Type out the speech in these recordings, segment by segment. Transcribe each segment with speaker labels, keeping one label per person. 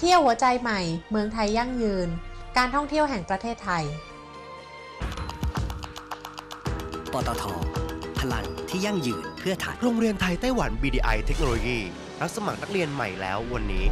Speaker 1: ที่ยวหัวใจใหม่เมืองไทยยั่งยืนการท่องเที่ยวแห่งประเทศไทย
Speaker 2: ปตท.พลังที่ยั่งยืนเพื่อไทย
Speaker 3: โรงเรียนไทยไต้หวัน BDI เทคโนโลยีรับสมัครนักเรียนใหม่แล้ววันนี้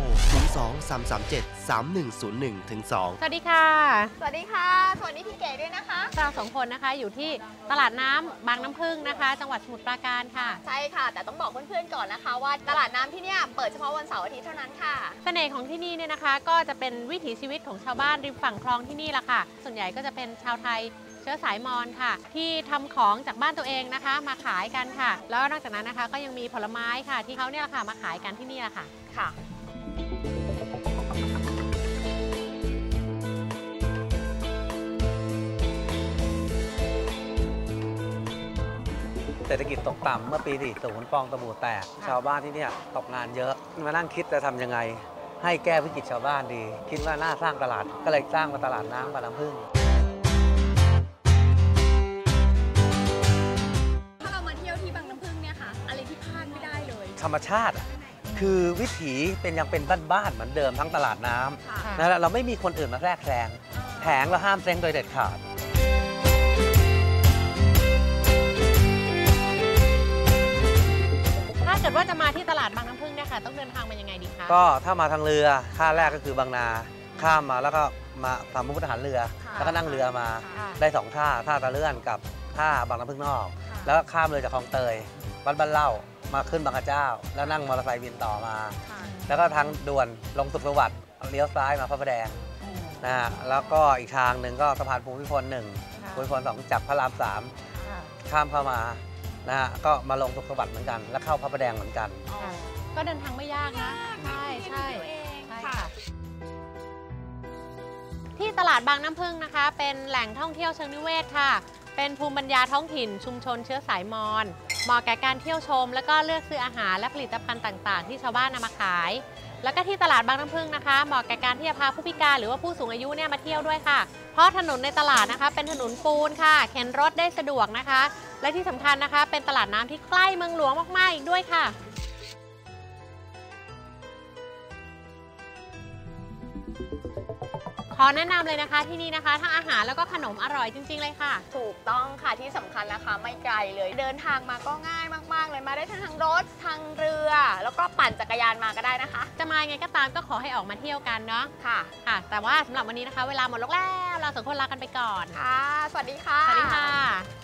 Speaker 3: 02-337-3101ถึง2
Speaker 4: สวัสดีค่ะ
Speaker 5: สวัสดีค่ะสวัสดีพี่เก๋ด้วยนะคะ
Speaker 4: เราสองคนนะคะอยู่ที่ตลาดน้ำบางน้ำผึ้งนะคะจังหวัดสมุทรปราการค่ะ
Speaker 5: ใช่ค่ะแต่ต้องบอกเพื่อนๆก่อนนะคะว่าตลาดน้ำที่นี่เปิดเฉพาะวันเสาร์อาทิตย์เท่านั้นค่ะ
Speaker 4: เสน่ห์ของที่นี่เนี่ยนะคะก็จะเป็นวิถีชีวิตของชาวบ้านริมฝั่งคลองที่นี่แหละค่ะส่วนใหญ่ก็จะเป็นชาวไทยเชื้อสายมอญค่ะที่ทำของจากบ้านตัวเองนะคะมาขายกันค่ะแล้วนอกจากนั้นนะคะก็ยังมีผลไม้ค่ะที่เขาเนี่ยค่ะมาขายกันที่นี่แหละค่ะ
Speaker 6: เศรษฐกิจตกต่ำเมื่อปี 40 ฟองสบู่แตกชาวบ้านที่นี่ตกงานเยอะมานั่งคิดจะทำยังไงให้แก้วิกฤตชาวบ้านดีคิดว่าน่าสร้างตลาดก็เลยสร้างมาตลาดน้ำบางน้ำผึ้ง
Speaker 5: ถ้าเรามาเที่ยวที่บางน้ำผึ้งเนี่ยค่ะอะไรที่พลาดไม่ได้เลย
Speaker 6: ธรรมชาติคือวิถีเป็นยังเป็นบ้านๆเหมือนเดิมทั้งตลาดน้ำนะเราไม่มีคนอื่นมาแทรกแซงแผงเราห้ามเซ้งโดยเด็ดขาด
Speaker 4: ถ้าเกิดว่าจะมาที่ตลาดบางน้ำผึ้งเนี่ยค่ะต้องเดินทางมายังไงดีคะ
Speaker 6: ก็ถ้ามาทางเรือท่าแรกก็คือบางนาข้ามมาแล้วก็มาทำมุกทหารเรือแล้วก็นั่งเรือมาได้2ท่าตะเลื่อนกับท่าบางน้ำผึ้งนอกแล้วก็ข้ามเรือจากคลองเตยวัดบ้านเล่ามาขึ้นบางกระเจ้าแล้วนั่งมอเตอร์ไซค์บินต่อมาแล้วก็ทางด่วนลงสุขสวัสดิ์เลี้ยวซ้ายมาพระประแดงนะฮะแล้วก็อีกทางหนึ่งก็สะพานภูมิพล1ภูมิพล2จากพระราม3ข้ามเข้ามานะฮะก็มาลงสุขสวัสดิ์เหมือนกันแล้วเข้าพระประแดงเหมือนกัน
Speaker 4: ก็เดินทางไม่ยากนะใช่ค่ะที่ตลาดบางน้ำผึ้งนะคะเป็นแหล่งท่องเที่ยวเชิงนิเวศค่ะเป็นภูมิปัญญาท้องถิ่นชุมชนเชื้อสายมอญเหมาะแก่การเที่ยวชมแล้วก็เลือกซื้ออาหารและผลิตภัณฑ์ต่างๆที่ชาวบ้านนำมาขายแล้วก็ที่ตลาดบางน้ำผึ้งนะคะเหมาะแก่การที่จะพาผู้พิการหรือว่าผู้สูงอายุเนี่ยมาเที่ยวด้วยค่ะเพราะถนนในตลาดนะคะเป็นถนนปูนค่ะเข็นรถได้สะดวกนะคะและที่สำคัญนะคะเป็นตลาดน้ำที่ใกล้เมืองหลวงมากๆอีกด้วยค่ะขอแนะนำเลยนะคะที่นี่นะคะทั้งอาหารแล้วก็ขนมอร่อยจริงๆเลยค่ะ
Speaker 5: ถูกต้องค่ะที่สำคัญนะคะไม่ไกลเลยเดินทางมาก็ง่ายมากๆเลยมาได้ทั้งทางรถทางเรือแล้วก็ปั่นจักรยานมาก็ได้นะคะ
Speaker 4: จะมาไงก็ตามก็ขอให้ออกมาเที่ยวกันเนาะค่ะแต่ว่าสำหรับวันนี้นะคะเวลาหมดแล้วเราสองคนลากันไปก่อน
Speaker 5: ค่ะสวัสดีค่ะ
Speaker 4: สวัสดีค่ะ